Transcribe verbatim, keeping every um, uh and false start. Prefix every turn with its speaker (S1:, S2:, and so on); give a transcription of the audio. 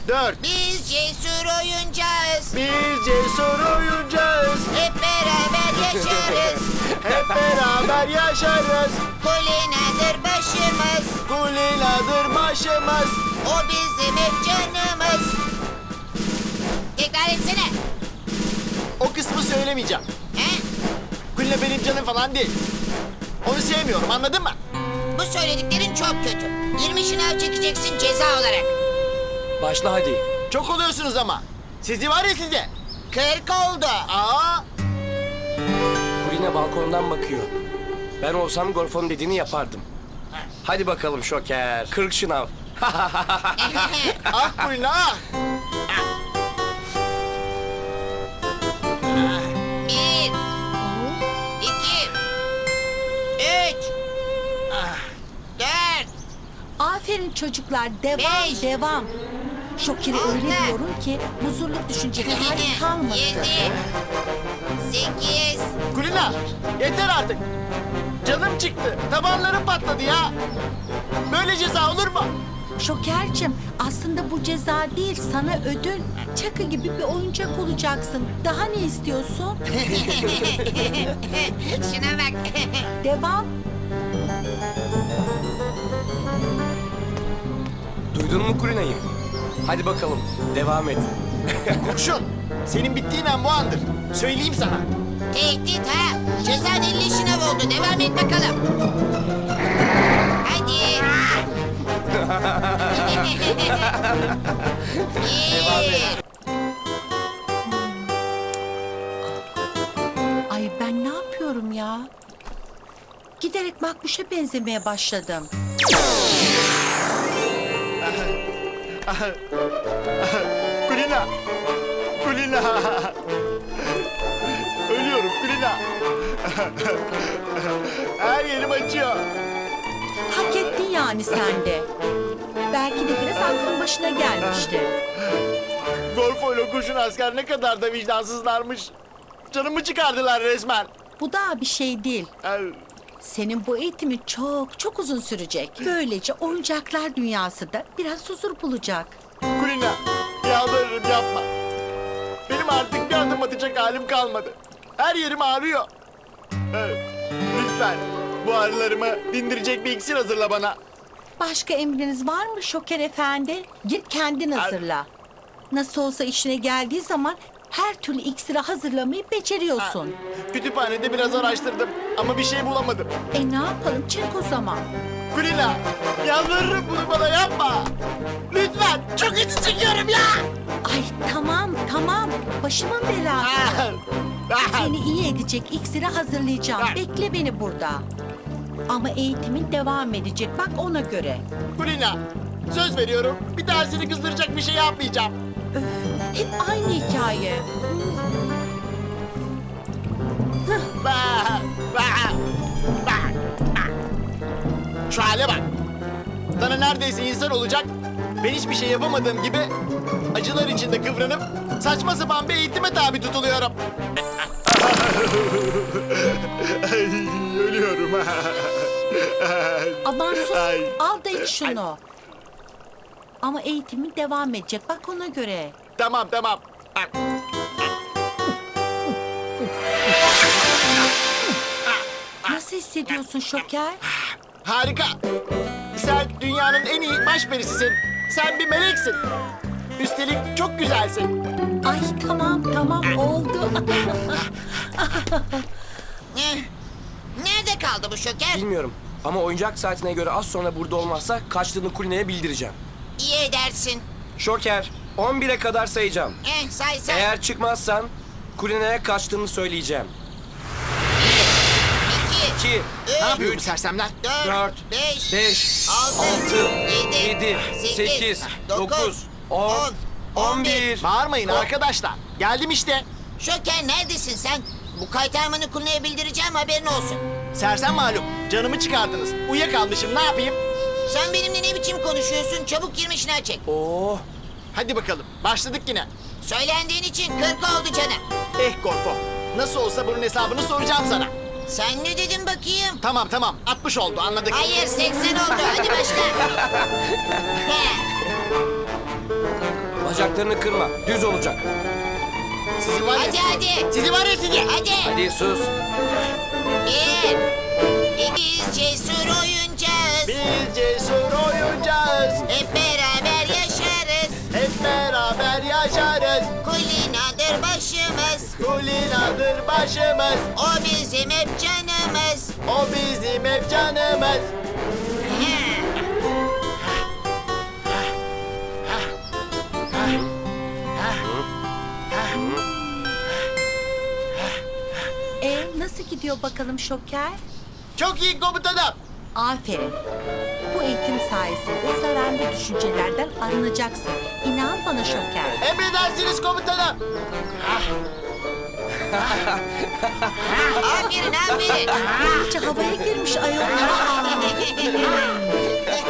S1: dört.
S2: Biz cesur oyuncağız.
S1: Biz cesur oyuncağız.
S2: Hep beraber yaşarız.
S1: Hep beraber yaşarız.
S2: Kulinadır başımız.
S1: Kulinadır başımız.
S2: O bizim hep canımız. Tekrar etsene.
S1: O kısmı söylemeyeceğim.
S2: He?
S1: Kulina benim canım falan değil. Onu sevmiyorum, anladın mı?
S2: Bu söylediklerin çok kötü. yirmi şınav çekeceksin ceza olarak.
S3: Başla hadi.
S1: Çok oluyorsunuz ama. Sizi var ya size.
S2: kırk oldu.
S1: Aa,
S3: Kulina balkondan bakıyor. Ben olsam Gorfo'nun dediğini yapardım. Hadi bakalım Şoker. Kırk şınav.
S1: ah Kulina ah.
S2: Bir, iki, üç, dört,
S4: Aferin çocuklar, devam
S2: Beş.
S4: devam. Şokeri öyle
S2: Altı.
S4: diyorum ki huzurluk düşünceleri hali kalmasın.
S2: yedi, sekiz,
S1: Kulina, yeter artık. Canım çıktı, tabanlarım patladı ya. Böyle ceza olur mu?
S4: Şokercim, aslında bu ceza değil, sana ödül. Çakı gibi bir oyuncak olacaksın. Daha ne istiyorsun?
S2: şuna bak.
S4: Devam.
S3: Duydun mu Kulina'yı? Hadi bakalım. Devam et.
S1: Kurşun, senin bittiğin an bu andır. Söyleyeyim sana.
S2: Tehdit ha. Cezan elli şınav oldu. Devam et bakalım. Hadi. Bir.
S4: Ay ben ne yapıyorum ya? Giderek Makbuş'a benzemeye başladım.
S1: Kulina, Kulina. Ölüyorum Kulina. Her yerim acıyor.
S4: Hak ettin yani sen de. Belki de biraz aklın başına gelmişti.
S1: Gorfo ile kurşun asker ne kadar da vicdansızlarmış. Canımı çıkardılar resmen.
S4: Bu daha bir şey değil.
S1: Ay,
S4: Senin bu eğitimin çok çok uzun sürecek. Böylece oyuncaklar dünyası da biraz huzur bulacak.
S1: Kulina, yalvarırım yapma. Benim artık bir adım atacak halim kalmadı. Her yerim ağrıyor. Evet, lütfen bu ağrılarımı dindirecek bir iksir hazırla bana.
S4: Başka emriniz var mı Şoker Efendi? Git kendin hazırla. Nasıl olsa işine geldiği zaman her türlü iksiri hazırlamayı beceriyorsun.
S1: Kütüphanede biraz araştırdım ama bir şey bulamadım.
S4: E ne yapalım, çek o zaman.
S1: Kulina, yalvarırım bunu bana yapma. Lütfen, çok acı çekiyorum ya.
S4: Ay tamam tamam, başımın belası.
S1: Ah, ah.
S4: Seni iyi edecek iksiri hazırlayacağım. Bekle beni burada. Ama eğitimin devam edecek, bak ona göre.
S1: Kulina, söz veriyorum bir daha seni kızdıracak bir şey yapmayacağım.
S4: Öf, hep aynı hikaye.
S1: Bah, bah, bah, bah. Şu hale bak. Sana neredeyse insan olacak. Ben hiçbir şey yapamadığım gibi acılar içinde kıvranıp saçma sapan bir eğitime tabi tutuluyorum. Ay, ölüyorum.
S4: Aman sus,
S1: Ay.
S4: al da iç şunu. Ama eğitimin devam edecek, bak ona göre.
S1: Tamam tamam.
S4: Nasıl hissediyorsun Şoker?
S1: Harika. Sen dünyanın en iyi başperisisin. Sen bir meleksin. Üstelik çok güzelsin.
S4: Ay tamam tamam oldu.
S2: Eh, Nerede kaldı bu şoker?
S3: Bilmiyorum. Ama oyuncak saatine göre az sonra burada olmazsa kaçtığını Kulina'ya bildireceğim.
S2: İyi edersin.
S3: Şoker, on bire kadar sayacağım.
S2: Eh, say say.
S3: Eğer çıkmazsan Kulina'ya kaçtığını söyleyeceğim.
S2: İki,
S3: İki,
S2: üç,
S1: Ne yapıyor bu sersemler?
S2: dört,
S3: dört,
S2: beş,
S3: beş,
S2: altı,
S3: altı,
S2: yedi,
S3: yedi,
S2: sekiz,
S3: sekiz,
S2: dokuz,
S3: dokuz, on,
S2: on,
S3: on bir.
S1: Bağırmayın arkadaşlar. Geldim işte.
S2: Şoker neredesin sen? Bu kaytarmanı Kulina'ya bildireceğim, haberin olsun.
S1: Sersem malum. Canımı çıkardınız. Uyuyakalmışım. Ne yapayım?
S2: Sen benimle ne biçim konuşuyorsun? Çabuk girmişine çek.
S3: Oo,
S1: Hadi bakalım. Başladık yine.
S2: Söylendiğin için kırk oldu canım.
S1: Eh Gorfo. Nasıl olsa bunun hesabını soracağım sana.
S2: Sen ne dedin bakayım?
S1: Tamam tamam. altmış oldu anladık.
S2: Hayır, seksen oldu. Hadi başla. He,
S3: Bacaklarını kırma. Düz olacak.
S1: Sizi var ya
S2: Hadi
S1: sizi.
S2: hadi.
S1: Sizi var ya sizi.
S2: Hadi.
S3: Hadi sus.
S2: Bir. Biz cesur oyuncağız.
S1: Biz cesur oyuncağız.
S2: Hep beraber yaşarız.
S1: Hep beraber yaşarız.
S2: Kulinadır başımız.
S1: Kulinadır başımız.
S2: O bizim hep canımız.
S1: O bizim hep canımız.
S4: E nasıl gidiyor bakalım Şoker?
S1: Çok iyi komutanım.
S4: Aferin. Bu eğitim sayesinde zararlı düşüncelerden arınacaksın. İnan bana Şoker.
S1: Emredersiniz komutanım.
S2: Aferin aferin.
S4: İyice havaya girmiş ayol.